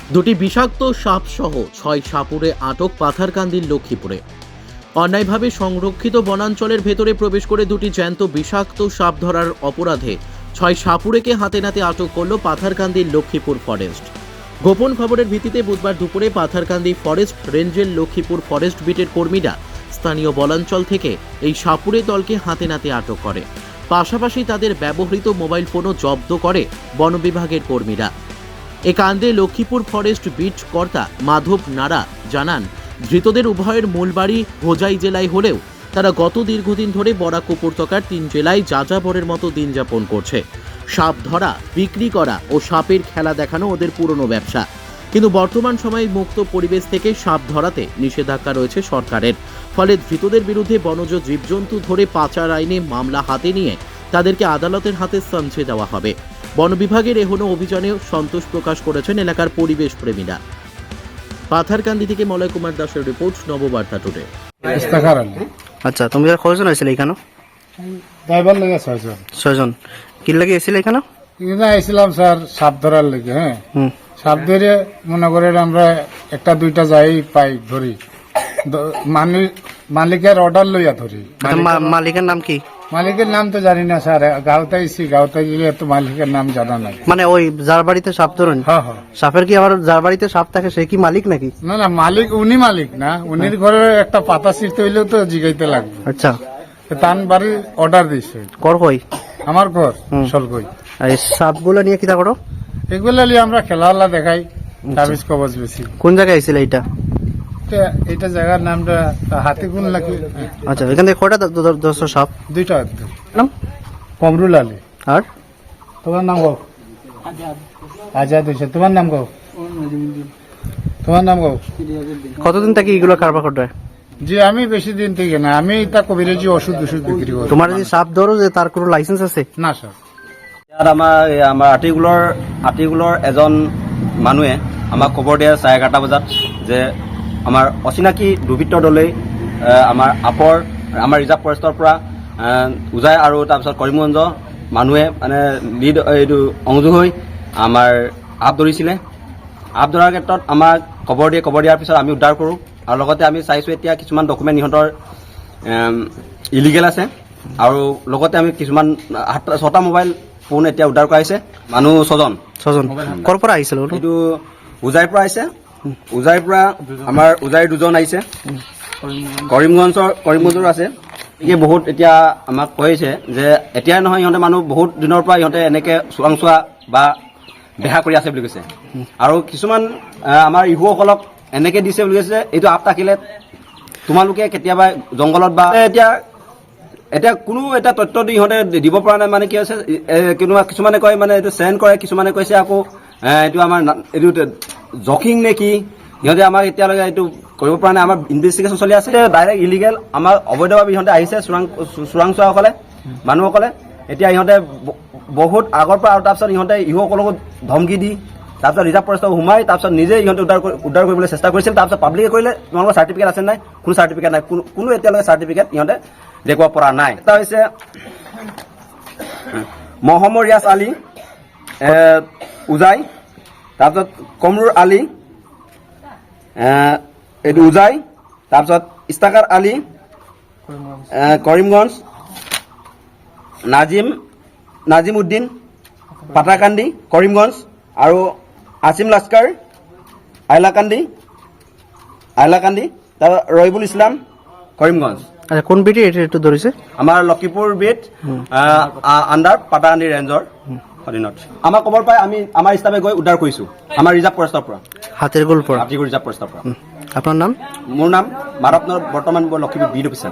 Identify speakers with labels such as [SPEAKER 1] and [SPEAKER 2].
[SPEAKER 1] দুটি বিষাক্ত সাপ সহ 6 সাপুড়ে আটক পাথারকান্দির লক্ষ্মীপুরে। অন্যায়ভাবে সংরক্ষিত বনাঞ্চলের ভেতরে প্রবেশ করে দুটি জ্যান্ত বিষাক্ত সাপ ধরার অপরাধে 6 সাপুড়েকে হাতে নাতে আটক করল পাথারকান্দির লক্ষ্মীপুর ফরেস্ট। গোপন খবরের ভিত্তিতে বুধবার দুপুরে পাথারকান্দি ফরেস্ট রেঞ্জের লক্ষ্মীপুর ফরেস্ট বিটের কর্মীরা স্থানীয় বনাঞ্চল থেকে এই সাপুড়ে দলকে হাতে নাতে আটক করে। পাশাপাশি তাদের ব্যবহৃত মোবাইল ফোনও জব্দ করে বন বিভাগের কর্মীরা। এ কাণ্ডে লক্ষ্মীপুর ফরেস্ট বিট কর্তা মাধব নাড়া জানান, ধৃতদের উভয়ের মূল বাড়ি হোজাই জেলায় হলেও তারা গত দীর্ঘদিন ধরে বরাক উপত্যকার 3 জেলায় যাযাবরের মতো দিন যাপন করছে। সাপ ধরা, বিক্রি করা ও সাপের খেলা দেখানো ওদের পুরনো ব্যবসা। কিন্তু বর্তমান সময়ে মুক্ত পরিবেশ থেকে সাপ ধরাতে নিষেধাজ্ঞা রয়েছে সরকারের। ফলে ধৃতদের বিরুদ্ধে বনজ জীবজন্তু ধরে পাচার আইনে মামলা হাতে নিয়ে তাদেরকে আদালতের হাতে সমঝে দেওয়া হবে। বন বিভাগের এহনো অভিযানে সন্তোষ প্রকাশ করেছেন এলাকার পরিবেশ প্রেমীরা। পাথারকান্দি থেকে মলয় কুমার দাসের রিপোর্ট, নববার্তা টুডে।
[SPEAKER 2] আচ্ছা, তুমি আর কয়জন আইছিলে এখানে?
[SPEAKER 3] ড্রাইভার লেগে 6 জন।
[SPEAKER 2] 6 জন। কি লাগে এসেছিলে এখানে?
[SPEAKER 3] এখানে আইছিলাম স্যার সাপ ধরার লেগে। হ্যাঁ, সাপ ধরে মনে করেন আমরা একটা দুইটা যাই পাই ধরি, মালিকের অর্ডার লইয়া ধরি।
[SPEAKER 2] মালিকের নাম কি?
[SPEAKER 3] মালিকের নাম তো জানি না স্যার, গাঁওতে আইসি, গাঁওতে গেলে তো মালিকের নাম জানা নাই।
[SPEAKER 2] মানে ওই যার বাড়িতে সাপ ধরেন?
[SPEAKER 3] হ্যাঁ হ্যাঁ।
[SPEAKER 2] সাপের কি আবার যার বাড়িতে সাপ থাকে সে কি মালিক নাকি?
[SPEAKER 3] না না, মালিক উনি মালিক না, উনির ঘরে একটা পাতা ছিঁড়তে হইলেও তো জিগাইতে লাগবে।
[SPEAKER 2] আচ্ছা,
[SPEAKER 3] তান বাড়ি অর্ডার দিছে।
[SPEAKER 2] কর কই?
[SPEAKER 3] আমার ঘর সলকই।
[SPEAKER 2] আর এই সাপগুলো নিয়ে কি তা করো?
[SPEAKER 3] এগুলা নিয়ে আমরা খেলাধুলা দেখাই, তাবিজ কবজ বেশি।
[SPEAKER 2] কোন জায়গায় আইছিলে এটা?
[SPEAKER 3] এটা জায়গার নামটা হাতিগুন লাগে।
[SPEAKER 2] আচ্ছা, এখান থেকে কয়টা দশ সাপ?
[SPEAKER 3] দুইটা।
[SPEAKER 2] নাম?
[SPEAKER 3] কমরুল আলী।
[SPEAKER 2] আর
[SPEAKER 3] তোমার নাম কও? আজাদ হয়েছে। তোমার নাম কও? তোমার নাম কও?
[SPEAKER 2] কতদিন থেকে এগুলো কারবার করতে?
[SPEAKER 3] জি আমি বেশি দিন থেকে না, আমি তা কবিরাজি ওষুধ বিক্রি করি।
[SPEAKER 2] তোমার যে সাপ ধরো যে তার কোনো লাইসেন্স আছে?
[SPEAKER 3] না স্যার।
[SPEAKER 4] ইয়াত আমাৰ আতিগুলৰ এজন মানুহে আমাক খবৰ দিয়ে 11:30 বজাত যে আমাৰ অচিনাকি দুৰ্বৃত্ত দলে আমাৰ ৰিজাৰ্ভ ফৰেষ্টৰ পৰা উজাই আৰু তাৰপিছত কৰিমগঞ্জ মানুহে মানে এইটো সংযোগ হৈ আমাৰ আপ ধৰিছিলে। আপ ধৰাৰ ক্ষেত্ৰত আমাক খবৰ দিয়াৰ পিছত আমি উদ্ধাৰ কৰোঁ আৰু লগতে আমি চাইছোঁ এতিয়া কিছুমান ডকুমেণ্ট ইহঁতৰ ইলিগেল আছে আৰু লগতে আমি কিছুমান 6টা মোবাইল ফোন এতিয়া উদ্ধাৰ কৰা হৈছে। মানুহ 6 জন।
[SPEAKER 2] ক'ৰ পৰা আহিছিল?
[SPEAKER 4] এইটো উজাইৰ পৰা আহিছে। উজাইৰ পৰা আমাৰ উজাইৰ 2জন আহিছে, কৰিমগঞ্জৰ আছে। গতিকে বহুত এতিয়া আমাক কৈছে যে এতিয়াই নহয়, ইহঁতে মানুহ বহুত দিনৰ পৰা ইহঁতে এনেকৈ চোৰাংচোৱা বা বেহা কৰি আছে বুলি কৈছে। আৰু কিছুমান আমাৰ ইহুসকলক এনেকৈ দিছে বুলি কৈছে, এইটো আপ থাকিলে তোমালোকে কেতিয়াবা জংঘলত বা এতিয়া কোনো এটা তথ্য ইহঁতে দিব পৰা নাই। মানে কি হৈছে, কিছুমানে কয় মানে এইটো চেণ্ড কৰে, কিছুমানে কৈছে আকৌ এইটো আমাৰ এইটো জকিং নে কি, সিহঁতে আমাক এতিয়ালৈকে এইটো কৰিব পৰা নাই। আমাৰ ইনভেষ্টিগেশ্যন চলি আছে। ডাইৰেক্ট ইলিগেল আমাৰ অবৈধভাৱে ইহঁতে আহিছে, চোৰাংচোৱাসকলে মানুহসকলে। এতিয়া ইহঁতে বহুত আগৰ পৰা, আৰু তাৰপিছত ইহঁতে ইহুসকলকো ধমকি দি তাৰপিছত ৰিজাৰ্ভ ফৰেষ্টক সোমাই তাৰপিছত নিজে ইহঁতে উদ্ধাৰ কৰিবলৈ চেষ্টা কৰিছিল। তাৰপিছত পাব্লিকে কৰিলে তোমালোকৰ চাৰ্টিফিকেট আছে নাই? কোনো চাৰ্টিফিকেট নাই, কোনো এতিয়ালৈকে চাৰ্টিফিকেট ইহঁতে দেখুৱাব পৰা নাই। এটা হৈছে মহম্মদ ৰিয়াজ আলী উজাই, তাৰপিছত কমৰুল আলী এইটো উজাই, তাৰপিছত ইস্তাকাৰ আলী কৰিমগঞ্জ, নাজিম উদ্দিন পাটাকান্দি কৰিমগঞ্জ, আৰু আসিম লাস্কাৰ আইলাকান্দি, তাৰপিছত ৰহিবুল ইছলাম কৰিমগঞ্জ।
[SPEAKER 2] আচ্ছা, কোন বিটি এইটো ধৰিছে?
[SPEAKER 4] আমাৰ লক্ষীপুৰ বিট আণ্ডাৰ পাটাকান্দি ৰেঞ্জৰ অধীনত। আমাৰ খবৰ পাই আমি আমাৰ ষ্টাফে গৈ উদ্ধাৰ কৰিছোঁ আমাৰ ৰিজাৰ্ভ ফৰেষ্টৰ পৰা,
[SPEAKER 2] হাতীৰগুল পৰা।
[SPEAKER 4] হাতীগুল ৰিজাৰ্ভ ফৰেষ্টৰ পৰা।
[SPEAKER 2] আপোনাৰ নাম?
[SPEAKER 4] মোৰ নাম মাধৱ, বৰ্তমান লক্ষীপুৰ বিট অফিচাৰ।